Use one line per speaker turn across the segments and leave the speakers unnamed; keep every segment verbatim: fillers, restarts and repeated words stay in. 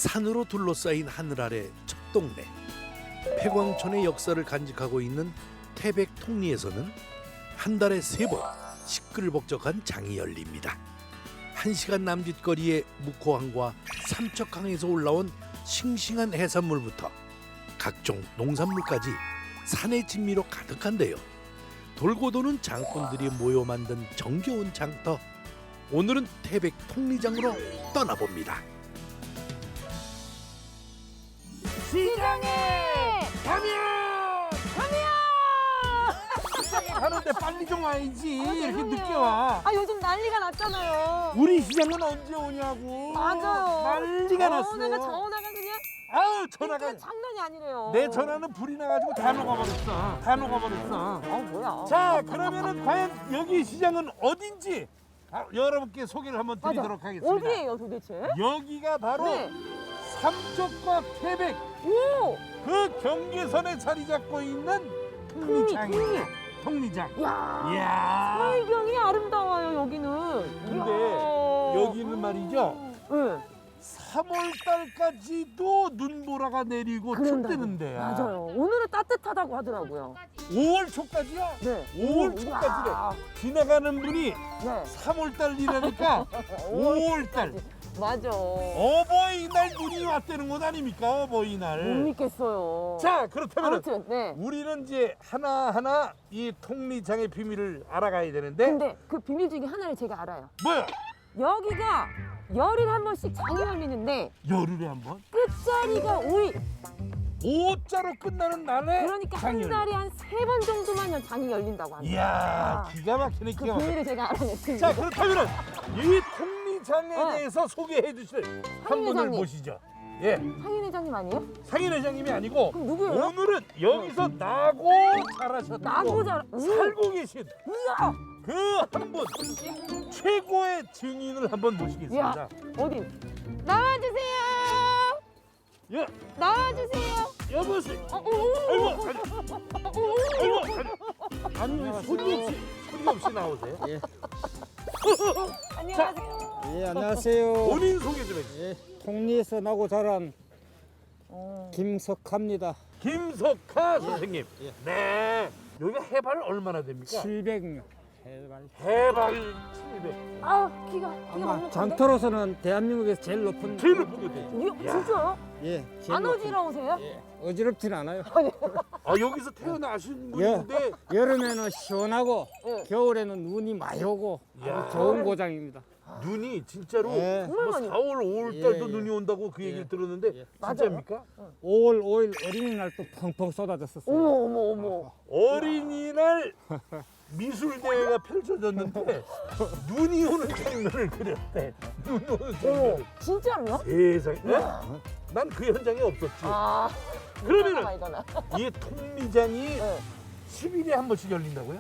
산으로 둘러싸인 하늘 아래 첫 동네. 폐광촌의 역사를 간직하고 있는 태백 통리에서는 한 달에 세 번 시끌벅적한 장이 열립니다. 한 시간 남짓 거리의 묵호항과 삼척항에서 올라온 싱싱한 해산물부터 각종 농산물까지 산의 진미로 가득한데요. 돌고 도는 장꾼들이 모여 만든 정겨운 장터. 오늘은 태백 통리장으로 떠나봅니다.
시장에
가면!
가면!
시장에 가는데 빨리 좀 와야지.
아,
이렇게
죄송해요.
늦게 와.
아 요즘 난리가 났잖아요.
우리 시장은 언제 오냐고.
맞아요.
난리가 났어.
어, 내가 전화가 그냥
아우 전화가.
진짜 장난이 아니래요.
내 전화는 불이 나가지고 다 녹아버렸어. 다 녹아버렸어.
어 뭐야?
자 그러면은 과연 여기 시장은 어딘지 아, 여러분께 소개를 한번
맞아.
드리도록 하겠습니다.
어디예요 도대체?
여기가 바로
네.
삼척과 태백
오.
그 경계선에 자리 잡고 있는 통리장입니다. 통리장.
야.
이야.
풍경이 아름다워요 여기는.
근데
이야.
여기는 말이죠.
네.
삼월 달까지도 눈보라가 내리고
그런다고.
춥대는 데야.
맞아요. 오늘은 따뜻하다고 하더라고요.
오월 초까지야?
네.
오월
오,
초까지래.
이야.
지나가는 분이
네.
삼월 달이라니까 오월 달.
맞아.
어버이날 눈이 왔다는 것 아닙니까?
못
어버이날.
믿겠어요.
자 그렇다면
아무튼 네.
우리는 이제 하나하나 이 통리장의 비밀을 알아가야 되는데
근데 그 비밀 중에 하나를 제가 알아요.
뭐야?
여기가 열흘에 한 번씩 장이 열리는데
열흘에 한 번?
끝자리가 오일.
오자로 끝나는 날에
그러니까
장이
한
열려.
달에 한 세 번 정도만 장이 열린다고 합니다.
이야
아.
기가 막히네
그
기가 막히네.
비밀을 제가 알아냈습니다.
자 그렇다면 이 통리장에
네.
대해서 소개해 주실 한
상인
분을
회장님.
모시죠. 예,
상인 회장님 아니에요?
상인 회장님이 아니고
그럼 누구예요?
오늘은 여기서 나고 자라셨고
나고 잘. 오.
살고 계신
이야.
그 한 분 최고의 증인을 한번 모시겠습니다.
이야. 어디? 나와주세요.
예,
나와주세요.
여보세요.
어, 오, 오,
아이고,
오,
아니,
오, 오.
아이고, 아니, 아니 왜 손이 없이 손이 없이 나오세요?
예,
안녕하세요.
예, 안녕하세요.
본인 소개 좀 해주세요.
예, 통리에서 나고 자란
어.
김석합니다.
김석하 선생님.
예.
네. 여기가 해발 얼마나 됩니까?
칠백 해발.
해발 칠백.
아, 키가 키가
아마
너무
장터로서는 대한민국에서 제일 높은.
제일 높은 거죠.
큰데?
야.
진짜요?
예, 제일
안
높은.
어지러우세요?
예, 어지럽진 않아요.
아 여기서 태어나신
예,
분인데
여름에는 시원하고
예.
겨울에는 눈이 많이 오고
야.
아주 좋은 고장입니다.
눈이 진짜로
예.
정말
뭐
많이.
사월, 오월 달도
예, 예.
눈이 온다고 그 얘기를
예.
들었는데
예.
진짜입니까?
오월 오일 어린이날 또 펑펑 쏟아졌었어요.
어머 어머 어머.
어린이날 미술 대회가 펼쳐졌는데 눈이 오는 장면을 그렸대. 눈 오는
어머.
장면을.
진짜로요?
세상에. 난 그 현장에 없었지.
아.
그러면은
이거나.
이 통리장이
네.
십 일에 한 번씩 열린다고요?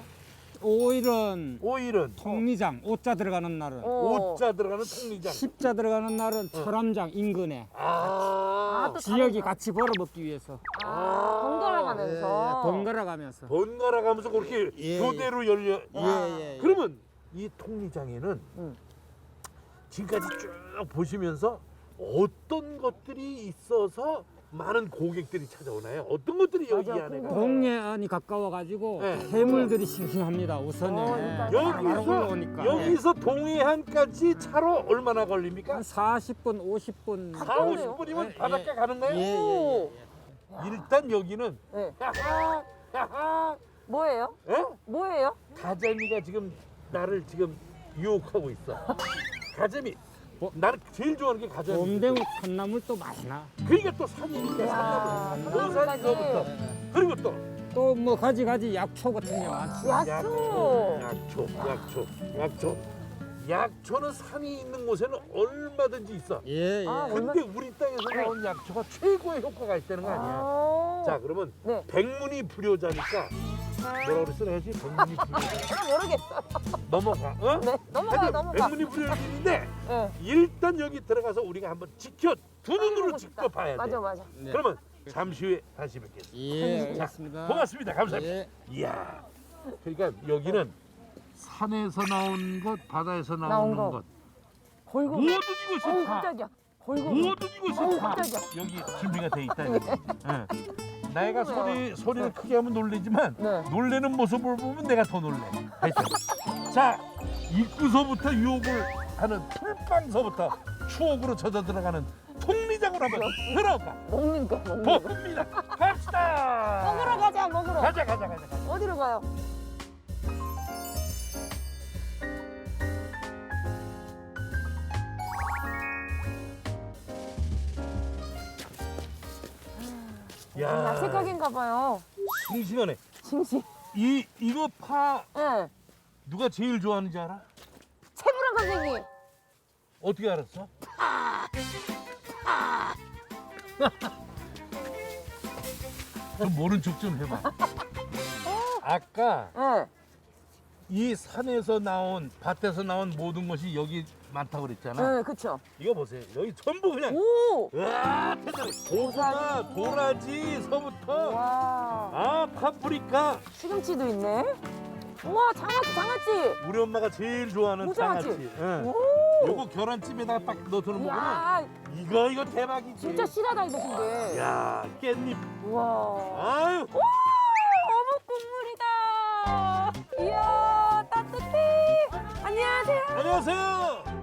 오일은
오일은
통리장, 오자 들어가는 날은.
어.
오자 들어가는 통리장.
십자 들어가는 날은 철암장 인근에
아,
또
지역이
다르다.
같이 벌어먹기 위해서
아, 번갈아
예,
가면서.
번갈아 가면서.
번갈아 가면서 그렇게
예,
교대로 열려.
예, 예, 예.
그러면 이 통리장에는
음.
지금까지 쭉 보시면서 어떤 것들이 있어서 많은 고객들이 찾아오나요? 어떤 것들이 여기
맞아,
안에
궁금해.
동해안이 가까워가지고
네.
해물들이 싱싱합니다. 우선에
어, 그러니까.
바로
여기서
올라오니까.
여기서 동해안까지 차로 얼마나 걸립니까?
한 사십 분, 오십 분.
사,
가까운데요?
오십 분이면
예,
바닷가 가는 거예요?
예, 예,
오.
일단 여기는
네.
야하, 야하,
뭐예요?
예?
뭐예요?
가재미가 지금 나를 지금 유혹하고 있어. 가재미.
뭐?
나는 제일 좋아하는 게 가재미.
봄되면 산나물도 많이 나.
그러니까 또 산이니까
야,
산나물. 산나물서부터 그리고 또
또 뭐 가지가지 약초 같은 게 많죠.
야초.
약초, 약초, 약초. 약초는 산이 있는 곳에는 얼마든지 있어.
예, 예.
아,
근데 우리 땅에서 나온 약초가 최고의 효과가 있다는 거 아니야.
아.
자, 그러면
네.
백문이 불효자니까 뭐라 그랬어? 내가 지금 백문이 불효자.
아, 모르겠어.
넘어가. 어?
네, 넘어가
하여튼
넘어가.
백문이 불효자인데
네.
일단 여기 들어가서 우리가 한번 지켜 두 눈으로
보고 싶다.
직접 봐야 돼.
맞아 맞아.
네.
그러면 잠시 후에 다시 뵙겠습니다.
예,
자,
알겠습니다.
고맙습니다. 감사합니다.
예.
이야, 그러니까 여기는 산에서 나온 것, 바다에서 나오는
나온 거.
것,
걸고.
모든 것이
어우
다
깜짝이야. 어이구.
모든 이것이
어우,
다
깜짝이야.
여기 준비가 돼 있다. 여기. 응. 내가 소리 소리를 크게 하면 놀리지만
네.
놀래는 모습을 보면 내가 더 놀래. 하여튼. 자, 입구서부터 유혹을 하는 풀빵서부터 추억으로 젖어 들어가는 통리장으로 한번 들어가
먹는 거 먹는 거.
봅니다. 갑시다.
먹으러 가자 먹으러.
가자 가자 가자. 가자.
어디로 가요?
야,
야채 가게인가 봐요.
싱싱하네.
싱싱.
이 이거 파
예.
누가 제일 좋아하는지 알아?
채부랑 선생님.
어떻게 알았어? 좀 모른 척 좀 해봐. 아까
예.
이 산에서 나온 밭에서 나온 모든 것이 여기 많다고 그랬잖아.
예, 그쵸.
이거 보세요. 여기 전부 그냥
오.
으아, 대단해. 고구마, 도라지서부터
와.
아 파프리카.
시금치도 있네. 우와, 장아찌, 장아찌.
우리 엄마가 제일 좋아하는
무장아찌.
장아찌. 응.
오.
요거 계란찜에다가 딱 넣어서 먹으면
야,
이거 이거 대박이지.
진짜 실하다 이거 근데.
야 깻잎.
우와.
아유.
오, 어묵 국물이다. 이야, 따뜻해. 안녕하세요.
안녕하세요.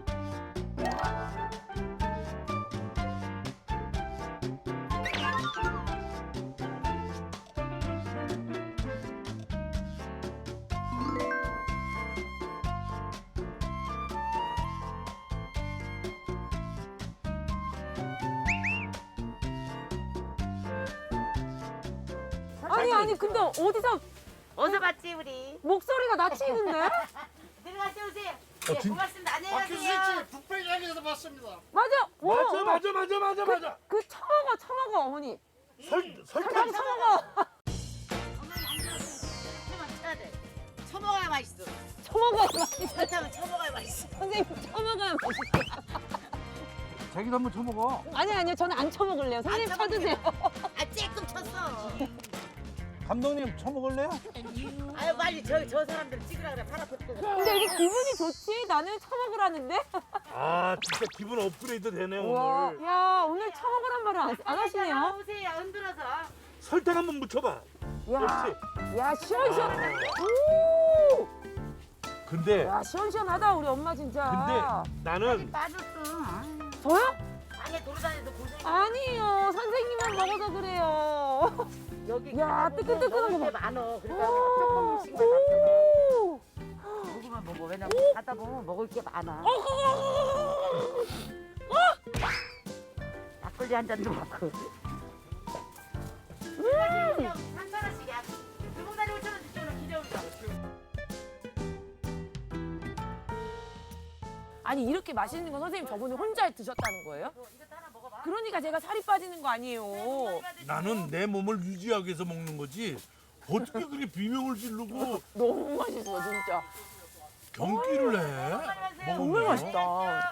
아니 아니 근데 어디서
어서 봤지 우리.
목소리가 낯익은데?
들어가시 오세요.
어,
네,
진-
고맙습니다. 안녕히
박효신
가세요.
씨 북백양에서 봤습니다.
맞아. 오,
맞아
오.
맞아 맞아 맞아 맞아.
그 처먹어 처먹어 어머니.
설 설탕.
그냥 처먹어.
어머니 앉아서 설탕은 쳐야 돼. 쳐먹어야 맛있어.
처먹어야 맛있어.
설탕은 쳐먹어야 맛있어.
선생님 처먹어야 맛있어.
자기도 한번 쳐먹어.
아니 아니요 저는 안 처먹을래요. 선생님
안
쳐드세요.
아 쬐끔 쳤어.
감독님 쳐먹을래요?
아유 빨리 저 저 사람들 찍으라 그래. 팔 앞에 또.
근데 이게 기분이 좋지? 나는 처먹으라는데?
아 진짜 기분 업그레이드 되네
와,
오늘.
야 오늘 처먹으란 말을 안, 안 하시네요.
오세요. 흔들어서.
설탕 한번 묻혀봐.
야,
그렇지.
야 시원시원하다. 오,
근데
야 시원시원하다 우리 엄마 진짜.
근데 나는
빠졌어.
저요?
방에 돌아다녀서 고생.
아니요 선생님만 먹어서 그래요.
여기
야,
가보면
뜨끈뜨끈한 거
먹을 게
봐.
많어. 그러니까 조금씩만 잡숴봐.
오.
먹으면 먹어. 왜냐면 가다 보면 먹을 게 많아. 막걸리 한 잔도 먹고. 음. 한 사람씩이야. 두 봉다리 오천 원 주시면 기대온다.
아니 이렇게 맛있는 건 선생님 저번에 혼자 드셨다는 거예요?
이거 하나 먹어봐.
그러니까 제가 살이 빠지는 거 아니에요.
나는 내 몸을 유지하기 위해서 먹는 거지. 어떻게 그렇게 비명을 지르고
너무 맛있어 진짜.
경기를 해?
정말
먹으면?
맛있다.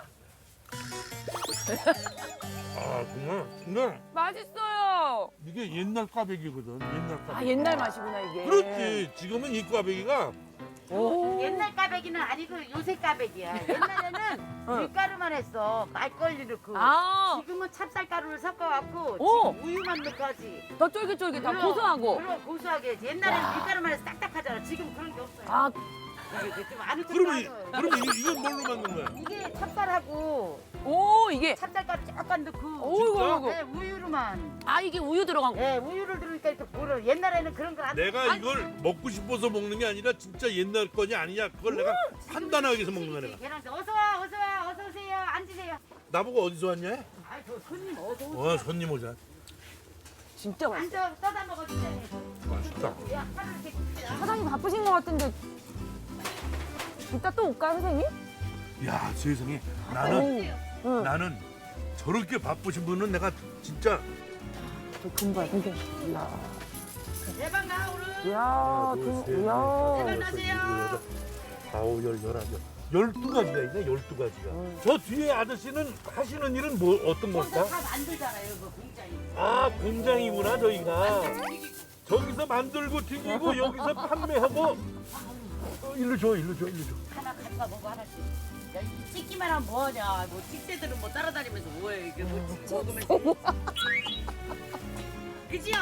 아 정말. 근데
맛있어요.
이게 옛날 꽈배기거든. 옛날 꽈배기.
아 옛날 맛이구나 이게.
그렇지. 지금은 이 꽈배기가
오.
옛날 까베기는 아니고 요새 까베기야. 옛날에는 밀가루만 했어. 막걸리 넣고.
아,
지금은 찹쌀가루를 섞어갖고
오.
지금 우유만 넣고 하지.
더 쫄깃쫄깃하고
물론,
고소하고.
물론 고소하게 했지. 옛날에는 밀가루만 해서 딱딱하잖아. 지금 그런 게 없어요.
아,
좀안
그러면 이- 그러면 이게 이건 뭘로 만든 거야?
이게 찹쌀하고
오 이게.
찹쌀가루 조금 넣고
오이고 오이고.
네, 우유로만.
아 이게 우유 들어간 거.
네, 우유를 들으니까 이렇게 보러. 옛날에는 그런 걸 안.
내가 이걸 먹고 싶어서 먹는 게 아니라 진짜 옛날 거냐 아니냐 그걸 내가 판단하기 위해서 먹는 거야 내가.
계란서 어서 와, 어서 와, 어서 오세요. 앉으세요.
나보고 어디서 왔냐?
아이, 저 손님 어서 오세요.
어 손님 오자.
진짜 맛있어.
앉아, 떠다 먹어 주세요.
맛있다.
야, 하나 이렇게 줍시다.
사장님 바쁘신 것 같은데. 이따 또 올까요 선생님?
야 세상에 나는
응.
나는 저렇게 바쁘신 분은 내가 진짜
저 금발 선생님. 이야.
대박 나 오늘.
이야. 그, 이야.
대박 나세요.
아홉 열 열한 열 열두 가지가 있네 열두 가지가. 저 뒤에 아저씨는 하시는 일은 뭐 어떤
혼자
걸까?
다 만들잖아요, 그 공장이.
아 공장이구나 저희가. 저기서 만들고 튀기고 여기서 판매하고. 어, 일로 줘 일로 줘 일로 줘.
하나 가져가 먹어 하나씩. 야, 이 찍기만 하면 뭐하냐? 뭐 찍새들은 뭐 따라다니면서 뭐해? 이게 뭐 찍- 먹으면서. 그지요?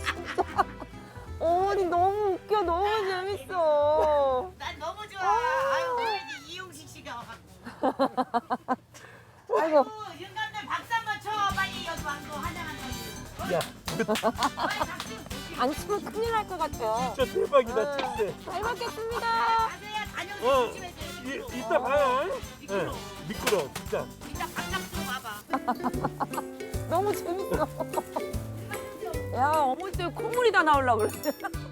어머니 너무 웃겨. 너무 재밌어.
난 너무 좋아. 아유, 오늘 이제 이용식 씨가 와갖고.
아이고.
윤감들 박수 한번 쳐. 빨리 여기 왕도 환영한다고.
야,
빨리 박수.
안 치면 큰일 날 것 같아요.
진짜 대박이다, 진짜.
잘 먹겠습니다.
가세요. 다녀오세요.
어,
조심해서.
이, 이따 봐요.
미끄러.
네, 미끄러, 진짜.
이따 박수 좀 와봐.
너무 재밌어. 야, 어머니 때문에 콧물이 다 나오려고 그래.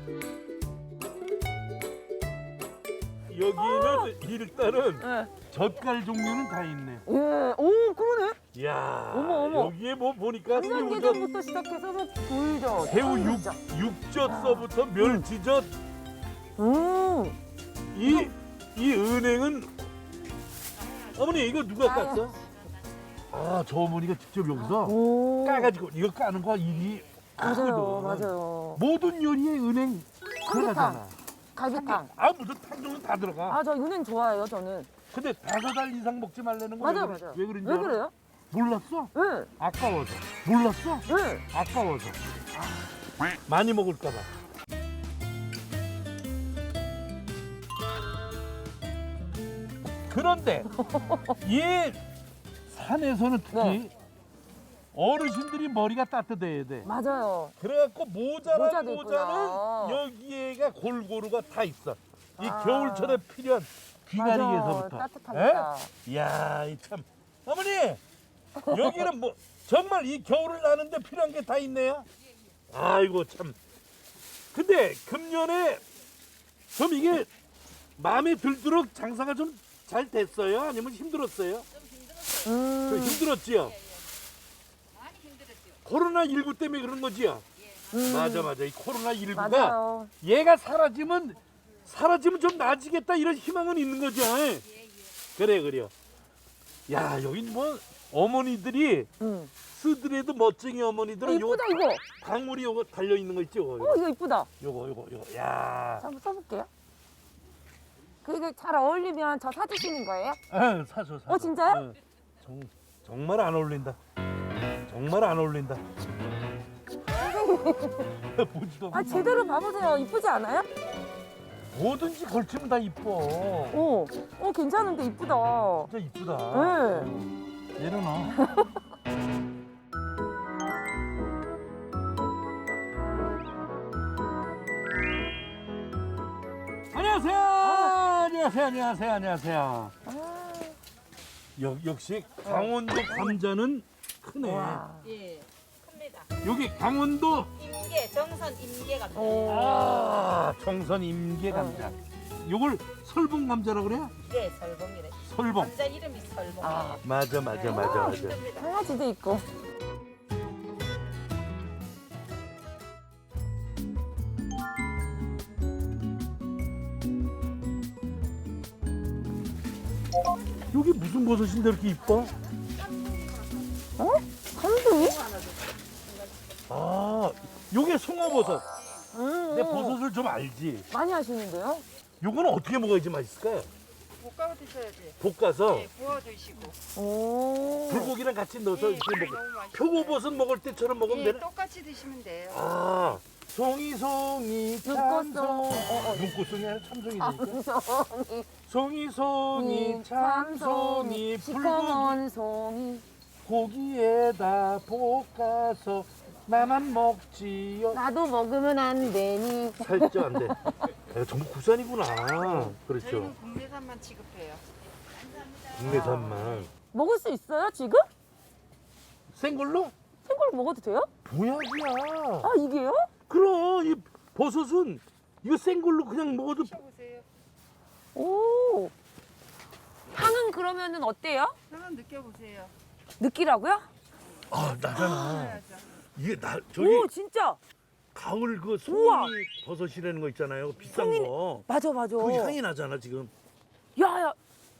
여기는 일단은
네.
젓갈 종류는 다 있네.
예, 오, 그러네.
이야,
어머, 어머.
여기에 뭐 보니까 새우젓,
한장게장부터 시작해서 뭐 불젓.
새우 육, 육젓서부터 멸치젓,
음.
이, 이 은행은 어머니 이거 누가
아유.
깠어? 아, 저 어머니가 직접 여기서
오.
까가지고 이거 까는 거 일이
맞아요,
크거든.
맞아요.
모든 요리에 은행 들어가잖아.
갈비탕.
아, 무슨 탕종은 다 들어가.
아, 저 은행 좋아해요, 저는.
근데 다섯 알 이상 먹지 말라는 거
맞아요,
왜, 그래-
맞아요.
왜 그런지
왜
알아?
그래요?
몰랐어?
응,
아까워서. 몰랐어?
응.
아까워서. 많이 먹을까 봐. 그런데 이 산에서는 특히
네.
어르신들이 머리가 따뜻해야 돼.
맞아요.
그래갖고 모자란
모자도
모자는
있구나.
여기에가 골고루가 다 있어. 이
아.
겨울철에 필요한 귀가리에서부터.
맞아, 따뜻하니까.
에? 이야, 이 참. 어머니, 여기는 뭐 정말 이 겨울을 나는데 필요한 게 다 있네요. 아이고 참. 근데 금년에 좀 이게 마음에 들도록 장사가 좀 잘 됐어요? 아니면 힘들었어요? 좀
음,
힘들었지요? 코로나 십구 때문에 그런 거지요?
음.
맞아 맞아. 이 코로나 십구가
맞아요.
얘가 사라지면 사라지면 좀 나아지겠다 이런 희망은 있는 거죠. 그래 그래요. 야, 여기 뭐 어머니들이
음.
쓰더라도 멋쟁이
어,
어머니들은 요
이쁘다, 이거.
방울이 요거 달려 있는 거 있죠?
어,
요거
이거 이쁘다.
요거 요거 요거. 야,
자, 한번 써볼게요. 그게 잘 어울리면 저 사주시는 거예요?
아, 사줘 사줘.
어, 진짜요?
어, 정, 정말 안 어울린다. 정말 안 어울린다. 보지도
아, 제대로 봐보세요. 이쁘지 않아요?
뭐든지 걸치면 다 이뻐.
어, 어, 괜찮은데 이쁘다.
진짜 이쁘다.
네.
내려놔. 안녕하세요. 안녕하세요. 안녕하세요. 안녕하세요.
아,
역, 역시 강원도 감자는 크네.
와.
예, 큽니다.
여기 강원도
임계, 정선 임계 감자.
오.
아 청선 임계 감자. 요걸 설봉 감자라고 그래요?
네, 설봉이래.
설봉.
감자 이름이 설봉이에요.
아,
맞아 맞아 맞아 맞아.
힘듭니다.
강아지도 있고.
여기 무슨 버섯인데 이렇게 이뻐?
어? 감동이?
아, 요게 송어버섯.
음,
내 버섯을 좀 알지.
많이 하시는데요?
요거는 어떻게 먹어야지 맛있을까요?
볶아 드셔야지.
볶아서
네, 구워 드시고.
오.
불고기랑 같이 넣어서
네,
이렇게
네,
먹어.
너무 맛있어요.
표고버섯 먹을 때처럼 먹으면
예,
되나?
똑같이 드시면 돼요.
아, 송이 송이
눈꽃송.
참송.
어, 어.
눈꽃송이 아니라 참송이 되니까.
참송이.
송이 송이 참송이 불고기
시커먼 송이.
고기에다 볶아서 나만 먹지요.
나도 먹으면 안 되니.
살쪄 안 돼. 야, 전부 국산이구나. 그렇죠.
저희는 국내산만 취급해요.
국내산만.
먹을 수 있어요, 지금?
생걸로?
생걸 먹어도 돼요?
보약이야.
아, 이게요?
그럼 이 버섯은 이거 생걸로 그냥 먹어도
드셔보세요.
오. 향은 그러면은 어때요?
한번 느껴보세요.
느끼라고요?
아 나잖아.
해야죠.
이게 나 저기
오, 진짜.
가을 그
우와.
송이 버섯이라는 거 있잖아요. 비싼
송이-
거.
맞아, 맞아.
그 향이 나잖아 지금.
야, 야.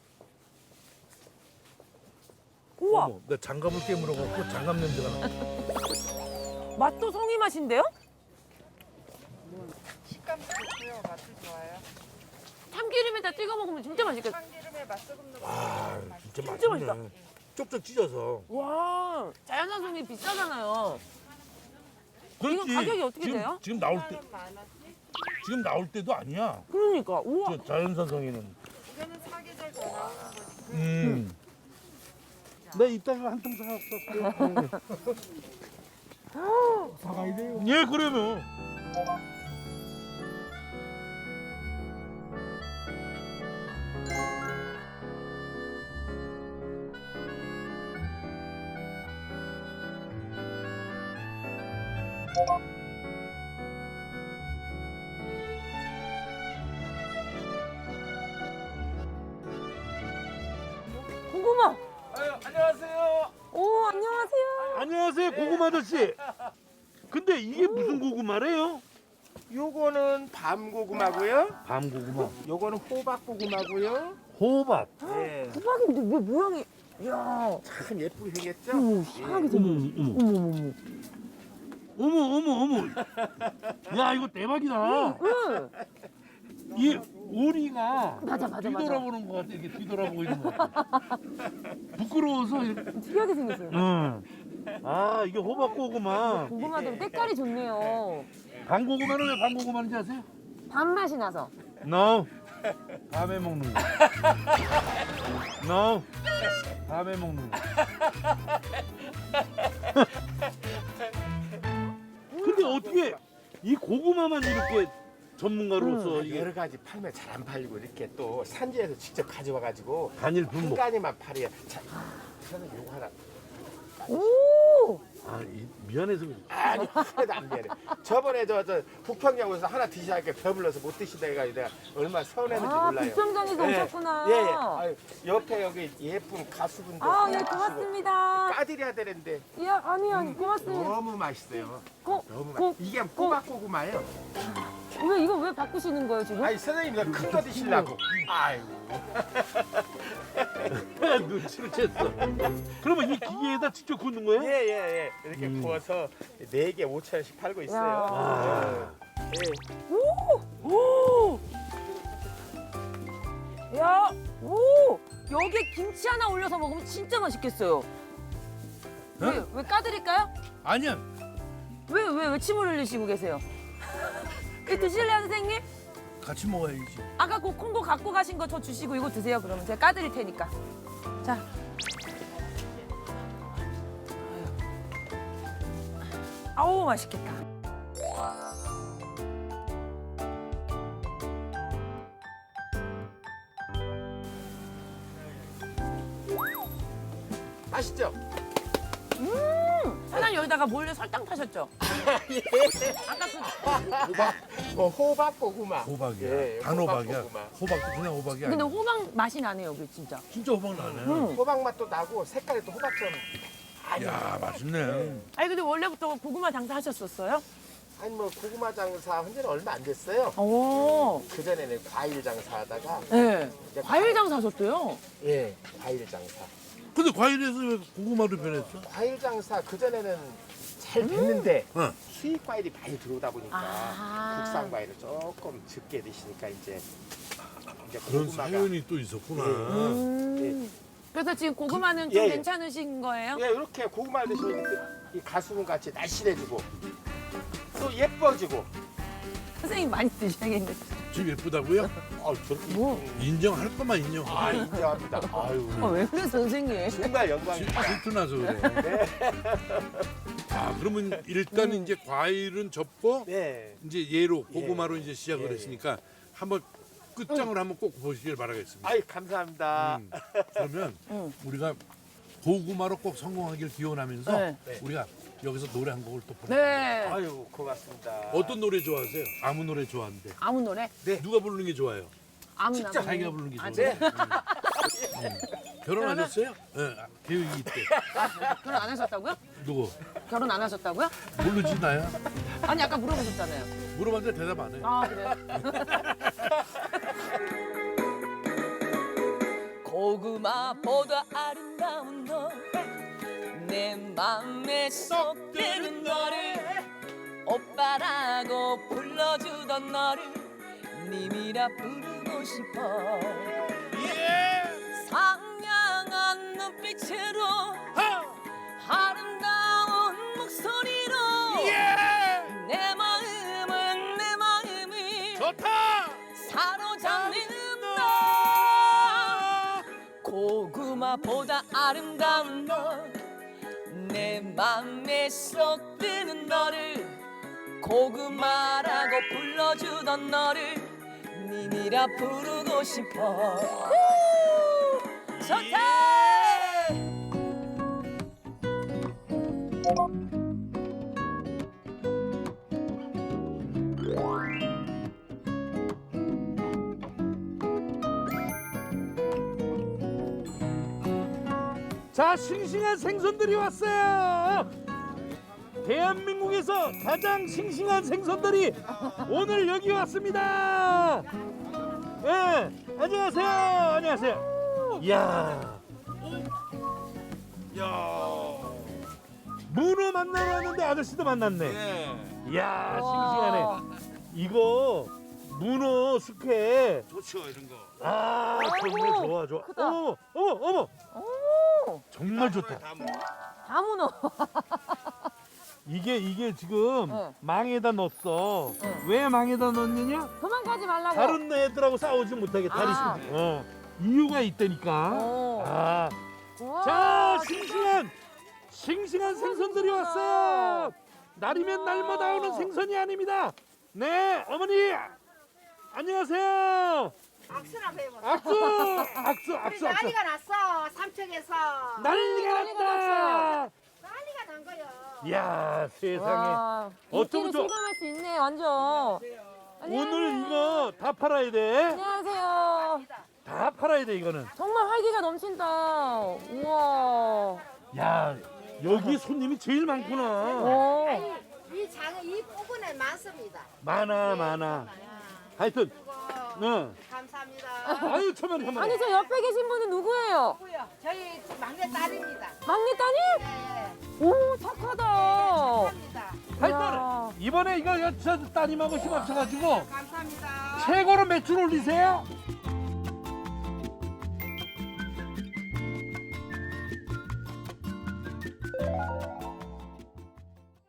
우와,
어머, 나 장갑을 깨물어갖고 장갑 냄새가 나.
맛도 송이 맛인데요?
식감도 좋고요. 맛도 좋아요.
참기름에다 찍어 먹으면 진짜 맛있겠다.
참기름에 맛소금 넣고
아
맛있어요.
진짜
진짜
맛있네. 쪽쪽 찢어서.
와, 자연산송이 비싸잖아요.
그렇지.
가격이 어떻게
지금,
돼요?
지금 나올 때
만 원.
지금 나올 때도 아니야.
그러니까, 우와.
저 자연산성에는.
이거는 사계절 더 나오는 거지.
음. 나 이따가 한 통 사갈게.
사가야 돼요.
예, 그러면.
고구마.
아유, 안녕하세요.
오, 안녕하세요.
안녕하세요, 고구마 아저씨. 근데 이게 무슨 고구마래요?
요거는 밤고구마고요.
밤고구마.
요거는 호박고구마고요.
호박.
예.
호박인데 왜 모양이, 이야.
참 예쁘게 생겼죠?
어머, 희한하게
어머,
생겼어.
어머,
어머, 어머, 어머.
어머, 어머, 어머. 야, 이거 대박이다.
응.
이 오리가
맞아, 맞아, 맞아.
뒤돌아보는 것 같아. 이렇게 뒤돌아보고 있는 것 같아. 부끄러워서. 이렇게.
특이하게 생겼어요.
응. 아, 이게 호박 고구마.
고구마들 때깔이 좋네요.
밤고구마는 왜 밤고구마인지 아세요?
밥맛이 나서.
No. 밤에 먹는 거. No. 밤에 먹는 거. 근데 어떻게 이 고구마만 이렇게 전문가로서 이게
여러 가지 팔면 잘 안 팔리고 이렇게 또 산지에서 직접 가져와가지고
단일
한
분목.
가지만 팔이야. 자, 저는 요거 하나.
오!
아, 이, 미안해서 그래.
아니, 하나도 안 미안해. 저번에 저, 저 북평양에서 하나 드시니까 배불러서 못 드시다 해가지고 내가 얼마나 서운했는지
아,
몰라요.
북평장에서
예,
오셨구나.
예, 예. 아유, 옆에 여기 예쁜 가수분도
아, 예,
하나 드시고
고맙습니다.
까드려야 되는데
예, 아니요, 아니, 고맙습니다.
너무 맛있어요.
고,
너무
고,
맛. 이게 호박고구마예요.
왜, 이거 왜 바꾸시는 거예요, 지금?
아니 선생님 이거 큰 거 드시려고. 아이고.
눈치를 챘어. 그러면 이 기계에다 직접 굽는 거예요?
예예 예, 예. 이렇게
음.
구워서 네 개 오천 원씩 팔고 있어요.
아.
예.
오! 야, 오! 여기에 김치 하나 올려서 먹으면 진짜 맛있겠어요. 왜, 왜 까드릴까요?
아니야.
왜, 왜, 왜 침을 흘리시고 계세요? 이거 드실래요, 선생님?
같이 먹어야지.
아까 그 콩고 갖고 가신 거 저 주시고 이거 드세요, 그러면. 제가 까드릴 테니까. 자. 아우, 맛있겠다.
맛있죠?
사장님 여기다가 몰래 설탕 타셨죠? 아까 그
호박. 어, 호박고구마.
호박이야.
예,
단호박이야.
호박고구마.
호박도 그냥 호박이
근데
아니야.
호박 맛이 나네요, 여기 진짜.
진짜 호박 나네.
응.
호박 맛도 나고 색깔이 또 호박처럼. 아니,
야, 맛있네.
아니 근데 원래부터 고구마 장사 하셨었어요?
아니 뭐 고구마 장사 한 지는 얼마 안 됐어요.
오.
그 전에는 과일 장사하다가
네.
이제
과일 장사 하셨대요?
예, 과일 장사.
근데 과일에서 왜 고구마로 변했어?
과일 장사 그 전에는 잘 됐는데
응.
수입 과일이 많이 들어오다 보니까
아.
국산 과일을 조금 적게 드시니까 이제 이제
그런
고구마가
사연이 또 있었구나.
음. 그래서 지금 고구마는
그-
좀
예, 예.
괜찮으신 거예요?
예, 이렇게 고구마를 드시면 이 가수분 같이 날씬해지고 또 예뻐지고.
선생님 많이 드셔야겠는데.
지금 예쁘다고요?
아, 저렇게
뭐?
인정할 것만 인정.
아, 인정합니다. 아유,
아, 왜 그래 선생님?
정말 영광입니다.
질투나서 그래. 아, 그러면 일단
음.
이제 과일은 접고
네.
이제 얘로 고구마로 이제 시작을
예.
했으니까 한번 끝장을 한번 꼭 보시길 바라겠습니다.
아이, 감사합니다.
음, 그러면
응.
우리가 고구마로 꼭 성공하길 기원하면서
네.
네.
우리가 여기서 노래 한 곡을 또 부르.
네.
아유, 고맙습니다.
어떤 노래 좋아하세요? 아무 노래 좋아하는데.
아무 노래?
누가 부르는 게 좋아요?
아무나.
진짜
자기가 부르는 게
아,
좋아요.
네.
음. 음. 결혼하셨어요? 네, 계획이 있대.
결혼 안 하셨다고요?
누구?
결혼 안 하셨다고요?
모르지 나야?
아니 아까 물어보셨잖아요.
물어봤는데 대답 안 해.
아 그래요? 고구마보다 아름다운 너 내 맘에 쏙 드는 너를 오빠라고 불러주던 너를 님이라 부르고 싶어
예.
상냥한 눈빛으로 아름다운 목소리로
예.
내 마음은 내 마음을
좋다.
사로잡는다 고구마보다 아름다운 너 내 맘에 쏙 드는 너를 고구마라고 불러주던 너를 니니라 부르고 싶어 우! 좋다
자, 싱싱한 생선들이 왔어요. 대한민국에서 가장 싱싱한 생선들이 오늘 여기 왔습니다. 예, 안녕하세요. 안녕하세요. 이야,
야.
문어 만나러 왔는데 아저씨도 만났네.
예.
이야,
와.
싱싱하네. 이거 문어 숙회.
좋죠 이런 거.
아, 정말
아이고,
좋아, 좋아.
크다.
어머, 어머, 어머.
오,
정말 좋다.
다 먹어.
다 문어
이게 이게 지금
네.
망에다 넣었어.
네.
왜 망에다 넣느냐?
도망가지 말라고
다른 애들하고 싸우지 못하게 다리
아.
수- 어. 이유가 있다니까.
오.
아,
우와,
자, 싱싱한 싱싱한 생선들이 왔어요. 날이면 날마다 오는 생선이 아닙니다. 네, 어머니 안녕하세요.
악수나 배워.
악수, 악수, 악수, 악수.
난리가 났어 삼척에서.
난리가 났다.
난리가 난 거요.
이야, 세상에.
와,
어쩌면
인기를
좋아.
실감할 수 있네 완전
오늘 이거 다 팔아야 돼.
안녕하세요
다 팔아야 돼 이거는.
정말 활기가 넘친다 우와
야, 여기 손님이 제일 많구나.
오.
이 장은 이 부분에 많습니다.
많아, 많아. 하여튼,
그거
응.
감사합니다.
아유, 천만에 천만에.
아니 저 옆에 계신 분은 누구예요?
누구요? 저희 막내 딸입니다.
막내 따님?
네,
오 착하다
합니다.
하여튼 이번에 이거 저 따님하고 힘 합쳐가지고
감사합니다.
최고로 매출 올리세요.